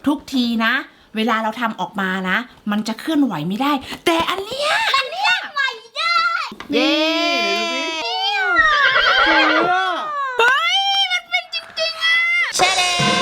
ทุกทีนะเวลาเราทำออกมานะมันจะเคลื่อนไหวไม่ได้แต่อันเนี้ยไหวได้เย้เฮ้ยมันเป็นจริงๆอะเชเด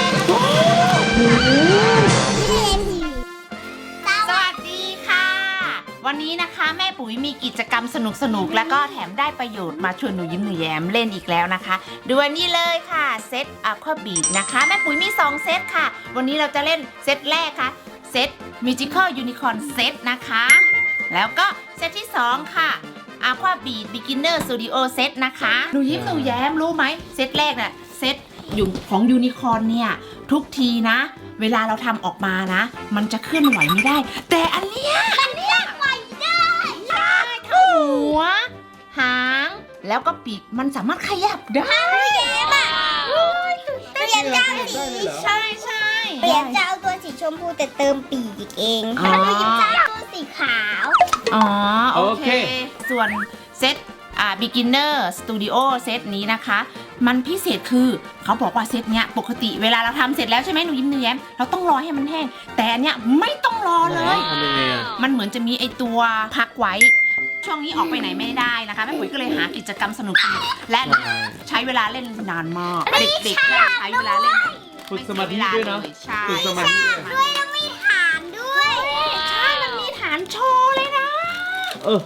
สวัสดีค่ะวันนี้นะคะแม่ปุ๋ยมีกิจกรรมสนุกๆแล้วก็แถมได้ประโยชน์มาชวนหนูยิ้มหนูแย้มเล่นอีกแล้วนะคะดูอันนี้เลยค่ะเซตAqua Beatนะคะแม่ปุ๋ยมี2เซตค่ะวันนี้เราจะเล่นเซตแรกค่ะเซต Magical Unicorn Set นะคะแล้วก็เซตที่2ค่ะ Aqua Beat Beginner Studio Set นะคะหนูยิ้มหนูแย้มรู้ไหมเซตแรกน่ะเซตของยูนิคอร์นเนี่ยทุกทีนะเวลาเราทำออกมานะมันจะเคลื่อนไหวไม่ได้แต่อันเนี้ยไหวได้ใช่ทั้งหัวหางแล้วก็ปีกมันสามารถขยับได้เย้มอ่ะเปลี่ยนจากสีใช่ใช่เปลี่ยนจะเอาตัวสีชมพูแต่เติมปีกเองแล้วก็ยิ้มจะเอาตัวสีขาวอ๋อโอเคส่วนเซตbeginner studio เซตนี้นะคะมันพิเศษคือเขาบอกว่าเซตเนี้ยปกติเวลาเราทำเสร็จแล้วใช่ไหมหนูยิ้มหนูแย้มเราต้องรอให้มันแห้งแต่อันเนี้ยไม่ต้องรอเลยมันเหมือนจะมีไอตัวพักไว้ช่วงนี้ออกไปไหนไม่ได้นะคะแม่ปุ๋ยก็เลยหากิจกรรมสนุกและใช้เวลาเล่นนานมากเด็กๆใช้เวลาเล่นฝึกสมาธิด้วยเนาะฝึกสมาธิด้วยแล้วมีฐานด้วยใช่มันมีฐานโชว์เลยนะโอ้โห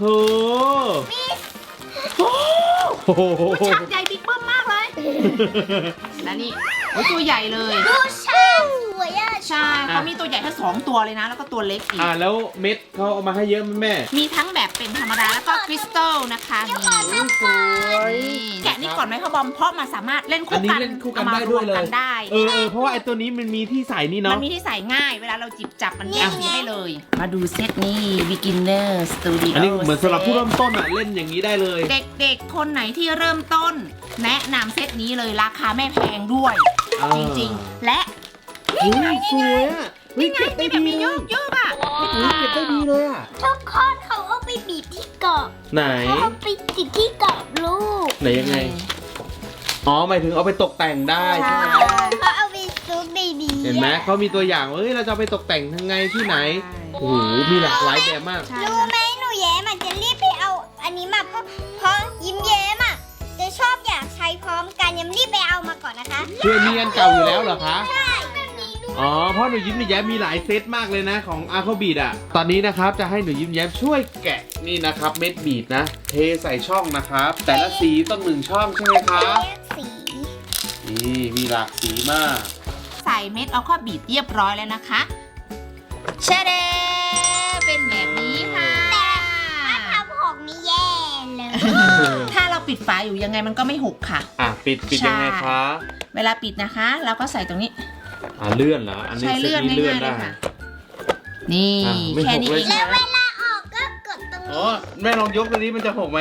ชักใหญ่บิ๊กเบิ้มมากเลยและนี่ตัวใหญ่เลยดูช่างสวยอ่ะใช่เขามีตัวใหญ่แค่2ตัวเลยนะแล้วก็ตัวเล็กอีกแล้วเม็ดเขาเอามาให้เยอะไหมแม่มีทั้งแบบเป็นธรรมดาแล้วก็คริสตัลนะคะมีสวยแกะนี่ก่อนไหมคะบอมเพราะมันสามารถเล่นคู่กันได้ด้วยเลยได้เพราะว่าไอ้ตัวนี้มันมีที่ใส่นี่เนาะมันมีที่ใส่ง่ายเวลาเราจิบจับมันแยกสีให้เลยมาดูเซตนี้ beginner studio อันนี้เหมือนสำหรับผู้เริ่มต้นอ่ะเล่นอย่างนี้ได้เลยเด็กๆคนไหนที่เริ่มต้นแนะนำเซตนี้เลยราคาไม่แพงด้วยจริงๆและนี่ไงสวยอ่ะนี่ไงที่แบบมีเยอะๆอ่ะเก็บได้ดีเลยอ่ะทุกคนเขาเอาไปบีบที่กรอบไหนเขาเอาไปติดที่กรอบลูกไหนยังไงหมายถึงเอาไปตกแต่งได้ใช่ไหมเขาเอาไปซุกดีเห็นไหมเขามีตัวอย่างเราจะไปตกแต่งทั้งไงที่ไหนโอ้โหมีหลากหลายแบบมากรู้ไหมหนูแย้มจะรีบไปเอาอันนี้มาเพราะยิ้มแย้มจะชอบอยากใช้พร้อมกันยังรีบไปเอามาก่อนนะคะคือมีอันเก่าอยู่แล้วเหรอคะใช่แบบนี้ด้วยเพราะหนูยิ้มหนูแย้มมีหลายเซตมากเลยนะของAqua Beatตอนนี้นะครับจะให้หนูยิ้มแย้มช่วยแกะนี่นะครับเม็ดบีดนะเทใส่ช่องนะครับแต่ละสีต้อง1ช่องใช่ไหมคะสีนี่มีหลากสีมากใส่เม็ดAqua Beatเรียบร้อยแล้วนะคะเชเดเป็นแบบนี้ค่ะถ้าทำหกนี่แย่เลยถ้าเราปิดฝาอยู่ยังไงมันก็ไม่หกค่ะปิดยังไงคะเวลาปิดนะคะเราก็ใส่ตรงนี้เลื่อนเหรออันนี้ใช้เลื่อนง่ายๆเลยค่ะนี่แค่นี้เองแล้วเวลาออกก็กดตรงนี้แม่ลองยกตัวนี้มันจะหกไหม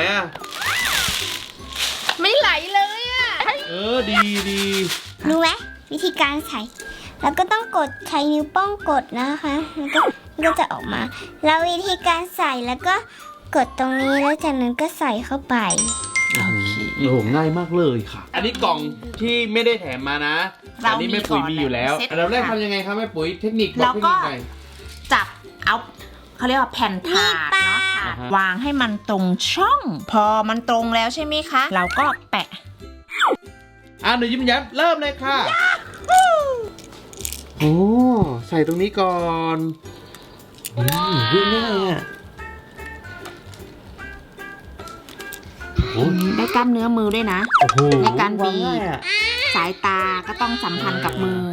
ไม่ไหลเลยดีรู้ไหมวิธีการใส่แล้วก็ต้องกดใช้นิ้วโป้งกดนะคะแล้วก็จะออกมาแล้ววิธีการใส่แล้วก็กดตรงนี้แล้วจากนั้นก็ใส่เข้าไปโอ้โหง่ายมากเลยค่ะอันนี้กล่องที่ไม่ได้แถมมานะอันนี้แม่ปุ๋ยมีอยู่แล้วเราแรกทำยังไงคะแม่ปุ๋ยเทคนิคบอกเทคนิคหน่อยจับเอาเขาเรียกว่าแผ่นถาดเนาะวางให้มันตรงช่องพอมันตรงแล้วใช่ไหมคะเราก็แปะหนูยิ้มแย้มเริ่มเลยค่ะใส่ตรงนี้ก่อนง่ายอ่ะได้กล้ามเนื้อมือด้วยนะในการบีบสายตาก็ต้องสัมพันธ์กับมือ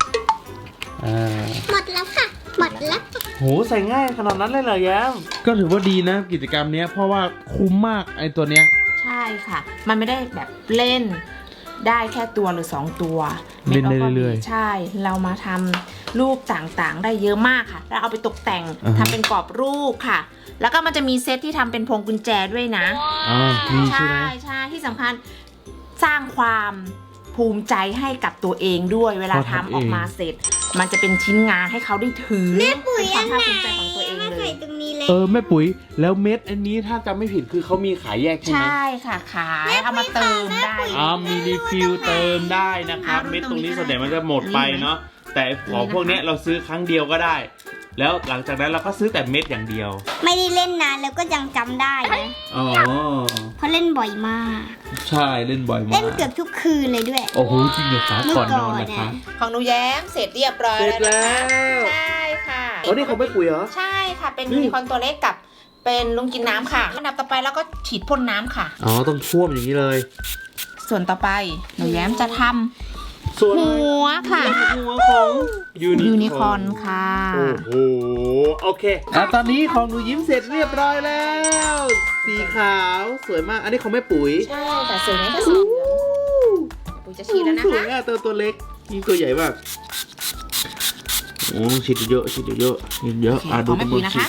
หมดแล้วค่ะหมดแล้วใส่ง่ายขนาดนั้นเลยเหรอแย้มก็ถือว่าดีนะกิจกรรมนี้เพราะว่าคุ้มมากไอ้ตัวเนี้ยใช่ค่ะมันไม่ได้แบบเล่นได้แค่ตัวหรือ2ตัวเล่นได้เรื่อยๆใช่เรามาทำรูปต่างๆได้เยอะมากค่ะแล้วเอาไปตกแต่งทำเป็นกรอบรูปค่ะแล้วก็มันจะมีเซตที่ทำเป็นพวงกุญแจด้วยนะใช่ที่สำคัญสร้างความภูมิใจให้กับตัวเองด้วยเวลาทำออกมาเสร็จมันจะเป็นชิ้นงานให้เขาได้ถือแม่ปุ๋ยความภาคภูมิใจของตัวเองเลยแม่ปุ๋ยแล้วเม็ดอันนี้ถ้าจำไม่ผิดคือเขามีขายแยกใช่ไหมใช่ค่ะขายเอามาเติมได้มีรีฟิลเติมได้นะครับเม็ดตรงนี้ส่วนใหญ่มันจะหมดไปเนาะแต่ของพวกเนี้ยเราซื้อครั้งเดียวก็ได้ แล้วหลังจากนั้นเราก็ซื้อแต่เม็ดอย่างเดียวไม่ได้เล่นนานแล้วก็ยังจำได้นะอ๋อเพราะเล่นบ่อยมากใช่เล่นบ่อยมาเล่นกเกือบทุกคืนเลยด้วยโอ้โหจริงเหรอคะเมื่อก่อนก่นออนนนะคะของหนูแย้มเสร็จเรียบร้อยเสร็จแล้วแล้นะคะวใช่ค่ะโอ้นี่เขาไม่ปุ๋ยเหรอใช่ค่ะ เป็นนี่ยูนิคอร์นตัวเล็กกับเป็นลุงกินน้ำค่ะอันดับต่อไปแล้วก็ฉีดพ่นน้ำค่ะอ๋อต้องท่วมอย่างนี้เลยส่วนต่อไปหนูแย้มจะทส่วนำหัวค่ะหัวของยูนิคอร์นค่ะโอ้โหโอเคตอนนี้ของหนูยิ้มเสร็จเรียบร้อยแล้ว สีขาวสวยมากอันนี้ของแม่ปุ๋ยใช่แต่สวยไหมคะสีเหลืองปุ๋ยจะฉีดแล้วนะสวยคะอ่ะตัวเล็กนี่ตัวใหญ่มากโอ้ฉีดเยอะฉีดเยอะฉีดเยอะโอเคของแม่ปุ๋ยนะคะ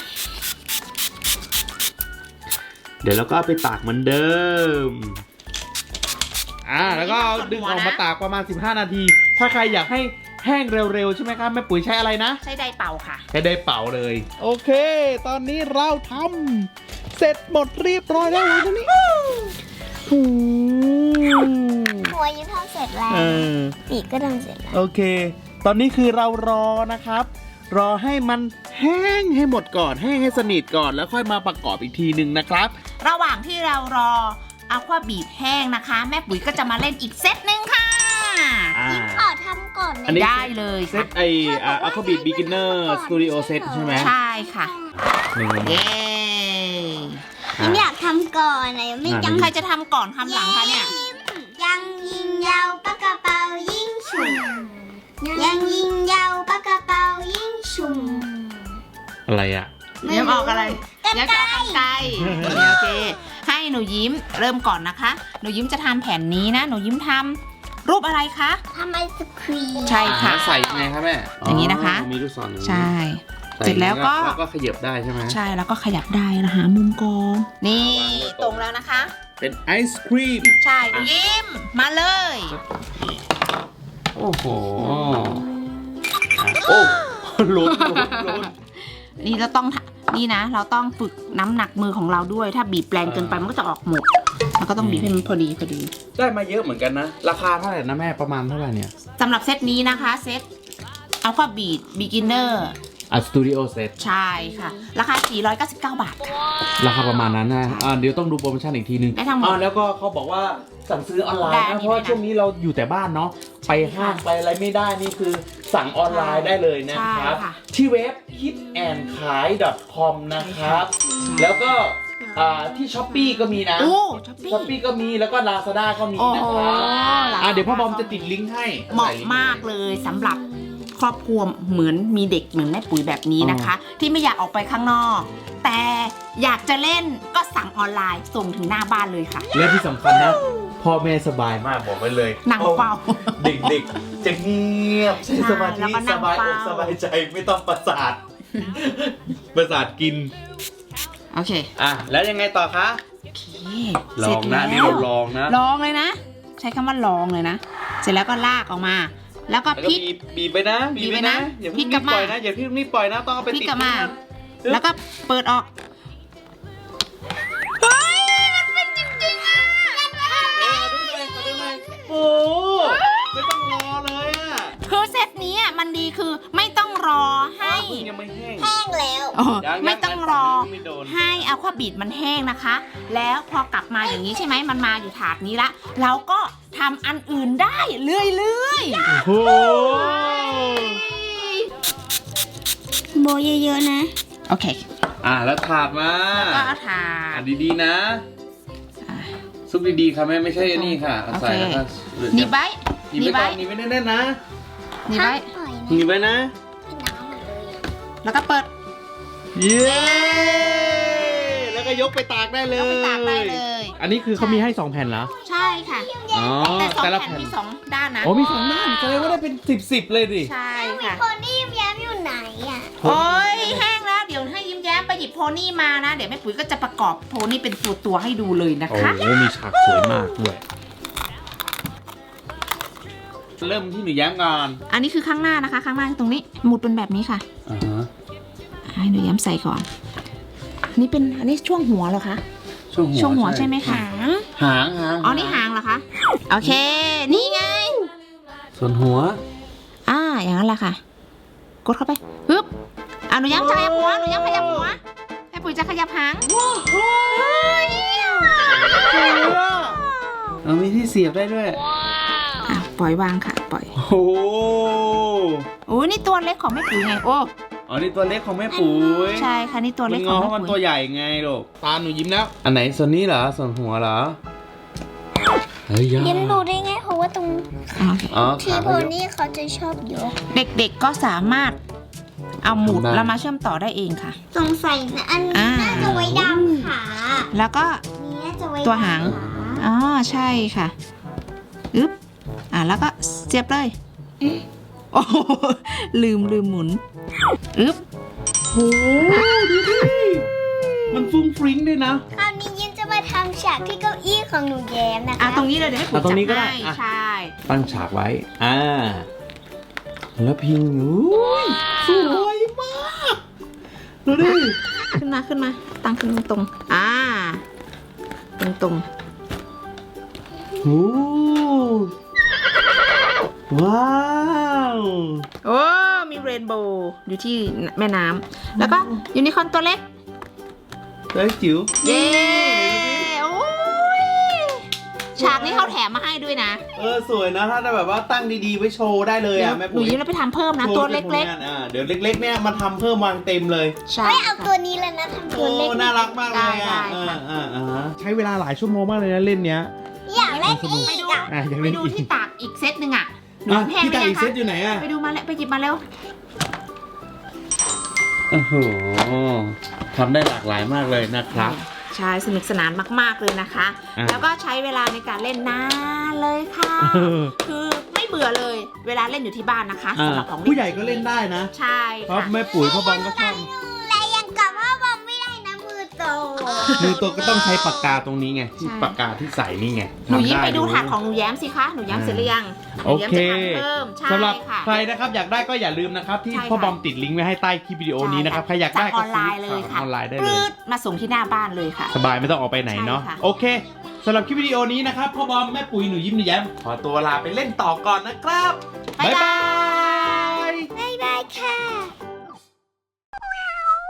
เดี๋ยวเราก็เอาไปตากเหมือนเดิมแล้วก็เอาดึงออกมาตากประมาณ15 นาที ถ้าใครอยากให้แห้งเร็วๆใช่ไหมครับแม่ปุ๋ยใช้อะไรนะใช้ไดร์เป่าค่ะใช้ได้เป่าเลย โอเค ตอนนี้เราทำเสร็จหมดเรียบร้อยแล้วตรงนี้หัวยิ้มทำเสร็จแล้ว ปีกก็ทำเสร็จแล้วโอเค ตอนนี้คือเรารอนะครับ รอให้มันแห้งให้หมดก่อนแห้งให้สนิทก่อนแล้วค่อยมาประกอบอีกทีหนึ่งนะครับระหว่างที่เรารออะควาบีดแห้งนะคะ แม่ปุ๋ยก็จะมาเล่นอีกเซตหนึ่งค่ะขอทำก่อนอันนี้ได้เลยเซค่ะตAquabit Beginner Studio Set ใช่ไหมใช่ค่ะหนึ่งเย้ยิ้มอยากทำก่อนนะยังไม่ยังใครจะทำก่อนทำหลังคะเนี่ยยังยิงยาวปากกระเป๋ายิงฉุ่มยังยิงยาวปากกระเป๋ายิงฉุ่มอะไรอ่ะยิ้มออกอะไรกรรยิ้มไกรจะเอากรรไกรโอเค ให้หนูยิ้มเริ่มก่อนนะคะ หนูยิ้มจะทำแผ่นนี้นะ หนูยิ้มทำรูปอะไรคะทำไอศครีมใช่ค่ะใส่ยังไงครับแม่อย่างนี้นะคะมีลูกศรอย่างนี้ใช่ใส่เสร็จแล้วก็แล้วก็ขยับได้ใช่ไหมใช่แล้วก็ขยับได้นะหามุมกองนี่ตรงแล้วนะคะเป็นไอศครีมใช่หนูยิ้มมาเลยโอ้โหโอ้ล้นนี่เราต้องนี่นะ เราต้องฝึกน้ำหนักมือของเราด้วย ถ้าบีบแรงเกินไปมันก็จะออกหมดแล้วก็ต้องบีบให้มันพอดีได้มาเยอะเหมือนกันนะ ราคาเท่าไหร่นะแม่ประมาณเท่าไหร่เนี่ยสำหรับเซตนี้นะคะเซตอัลฟาบีดบิกินเนอร์สตูดิโอเซตใช่ค่ะ ราคา 499 บาทค่ะราคาประมาณนั้นนะเดี๋ยวต้องดูโปรโมชั่นอีกทีนึงได้ทั้งหมดแล้วก็เขาบอกว่าสั่งซื้อออนไลน์ได้นะอันนี้เพราะว่าด้วยนะช่วงนี้เราอยู่แต่บ้านเนาะไปห้างไปอะไรไม่ได้นี่คือสั่งออนไลน์ได้เลยนะครับใช่ค่ะที่เว็บ hitandkai.com นะครับ แล้วก็ที่ช้อปปี้ก็มีนะโอ้ช้อปปี้ช้อปปี้ก็มีแล้วก็ Lazada ก็มีนะครับ Lazada เดี๋ยวพ่อบอมจะติดลิงก์ให้เหมาะมากเลยสำหรับครอบครัวเหมือนมีเด็กเหมือนแม่ปุ๋ยแบบนี้นะคะ ที่ไม่อยากออกไปข้างนอก แต่อยากจะเล่นก็สั่งออนไลน์ส่งถึงหน้าบ้านเลยค่ะและที่สำคัญนะ พ่อแม่สบายมากบอกไว้เลยนั่งเฝ้าเด็กๆจะเงียบใช้สมาธิแล้วก็นั่สงบายอกเฝ้าสบายใจไม่ต้องประสาท ประสาทกินโอเคแล้วยังไงต่อคะโอเคลองนะเสร็จนี่แล้วเราลองนะลองเลยนะ ใช้คำว่าลองเลยนะ เสร็จแล้วก็ลากออกมา แล้วก็แล้วก็พลิกบีบไปนะบีบไปนะอย่าพลิเพิ่กงกลัรีบบ มาปล่อยนะอย่าเพิ่งรีบปล่อยนะต้องเอาไปพลิกติดกลับมานะแล้วก็เปิดออก เฮ้ย มันเป็นจริงๆอ่ะโอ้ไม่ต้องรอเลยอ่ะคือเซตนี้อ่ะมันดีคือไม่ต้องรอให้ยังไม่แห้งแห้งแล้วไม่ต้องรอไม่โดนให้อะควาบีดมันแห้งนะคะ แล้วพอกลับมาอย่างนี้ใช่ไหมมันมาอยู่ถาดนี้ละเราก็ทำอันอื่นได้เรื่อยโอ้โบเยอะๆนะๆ โอเคแล้วถาดมาก็เอาถาดดีๆนะอ่ะซุปดีๆค่ะไม่ใช่นี่ค่ะเอาใส่แล้วก็หนีบไว้หนีบไว้ก่อนหนีบไว้แน่นๆนะหนีบไว้ปล่อยหนีบไว้นะน้ำหมดเลยแล้วก็เปิดเย้แล้วก็ยกไปตากได้เลยเอาไปตากได้เลยอันนี้คือเขามีให้2แผ่นเหรอใช่ค่ะอ๋อแต่สองแต่ละแผ่นแผ่นมีสองด้านนะโอ้มี2ด้านแสดงว่าได้เป็น10เลยดิใช่ค่ะโพนี่ยิ้มแย้มอยู่ไหนอ่ะโอ้ยแห้งแล้วเดี๋ยวให้ยิ้มแย้มไปหยิบโพนี่มานะ เดี๋ยวแม่ปุ๋ยก็จะประกอบโพนี่เป็นตัวๆให้ดูเลยนะโอ้คะโหมีฉากสวยมากด้วยเริ่มที่หนูแย้มก่อนอันนี้คือข้างหน้านะคะ ข้างหน้าตรงนี้หมุดเป็นแบบนี้ค่ะ ให้หนูแย้มใส่ก่อน นี่เป็นอันนี้ช่วงหัวเหรอคะ ช่วงหัวใช่ไหมคะหางอ๋อนี่หางเหรอคะโอเค นี่ไงส่วนหัวอย่างนั้นแหละค่ะกดเข้าไปปึ๊บหนูย้ำจะขยับหัวหนูย้ำขยับหัวแม่ปุ๋ยจะขยับหางมีที่เสียบได้ด้วยปล่อยวางค่ะปล่อยโอ้โหโอ้นี่ตัวเล็กของแม่ปุ๋ยไงโอ้อ๋อนี่ตัวเล็กของแม่ปุ๋ยใช่ค่ะนี่ตัวมัเล็นกงขออง เพแม่ราะมันตัปุ๋วย ใหญ่ไงลูกตาหนูยิ้มแล้ว อันไหนส่วนนี้เหรอส่วนหัวเหรอเฮ้ยยาเลี้ยงดูได้ไงเพราะว่าตรงอ๋อที่ขาโพเขายกนี่เขาจะชอบยกเด็กๆก็สามารถเอาหมุดทำได้แล้วมาเชื่อมต่อได้เองค่ะสงสัยนะอันนี้อ่าน่าจะไว้ดำขาแล้วก็อันนี้น่าจะไว้ตัวหางดำขาอ๋อใช่ค่ะอึ๊บแล้วก็เสียบเลยโอ้โหลืมหมุนอึ๊บโอ้ดูดิมันฟุ้งฟริ้งด้วยนะคราวนี้ยิ้มจะมาทำฉากที่เก้าอี้ของหนูแย้มนะคะตรงนี้เลยเดี๋ยวให้ปุ๋ยตรงนี้จัก็บได้ให้อ่ะใช่ตั้งฉากไว้ แล้วพิงอุ้ยสวยมากดูดิขึ้นมาตั้งขึ้นตรงๆตรงโอ้ว้าวๆโอ้มีเรนโบว์อยู่ที่แม่น้ำแล้วก็ยูนิคอร์นตัวเล็กเฮ้ยจิ๋วเย้โอ้ยฉากนี้เขาแถมมาให้ด้วยนะสวยนะถ้าแบบว่าตั้งดีๆไว้โชว์ได้เลยเดี๋ยวแม่หนูปุ๋ยยิ้มแล้วไปทำเพิ่มนะตัวเล็กโชว์ในผงานเดี๋ยวเล็กๆเนี่ยมาทำเพิ่มวางเต็มเลยๆใช่ไม่เอาตัวนี้แล้วนะทำตัวเล็กน่ารักมากเลยอ่ะได้ค่ะใช้เวลาหลายชั่วโมงมากเลยนะเล่นเนี้ยอยากเล่นไปอีกดูอ่ะยังไปเล่นดูอีกที่ตากอีกเซตหนึ่งหนูแห้งพี่ไหมตาอีกคะเซตอยู่ไหนอ่ะไปดูมาแล้วไปหยิบมาแล้วโอ้โหทำได้หลากหลายมากเลยนะครับใช่สนุกสนานมากๆเลยนะคะอ่ะแล้วก็ใช้เวลาในการเล่นนานเลยค่ะ คือไม่เบื่อเลย เวลาเล่นอยู่ที่บ้านนะคะสำหรับของผู้ใหญ่ก็เล่นได้นะใช่เพราะค่ะแม่ปุ๋ยพ่อบอมก็ชอบแต่ยังกลับว่าบอมไม่ได้นะมือโตมือตัวก็ต้องใช้ปากกาตรงนี้ไงที่ปากกาที่ใส่นี่ไงหนูยิ้มทำไปดูนะถาดของหนูแย้มสิคะหนูแย้มเสร็จหรือยังหโอนูแย้มเคจะทำเพิ่มใช่สำหรับค่ะใครนะครับอยากได้ก็อย่าลืมนะครับที่ใช่ค่ะพ่อบอมติดลิงก์ไว้ให้ใต้คลิปวิดีโอนี้นะครับใครอยากได้สั่งออนไลน์เลยค่ะออนไลน์ได้ปเลรืยดมาส่งที่หน้าบ้านเลยค่ะสบายไม่ต้องออกไปไหนเนาะใช่ค่ะโอเคสำหรับคลิปวิดีโอนี้นะครับพ่อบอมแม่ปุ๋ยหนูยิ้มหนูแย้มขอตัวลาไปเล่นต่อก่อนนะครับบ๊ายบายบ๊ายบายบ๊ายบายค่ะ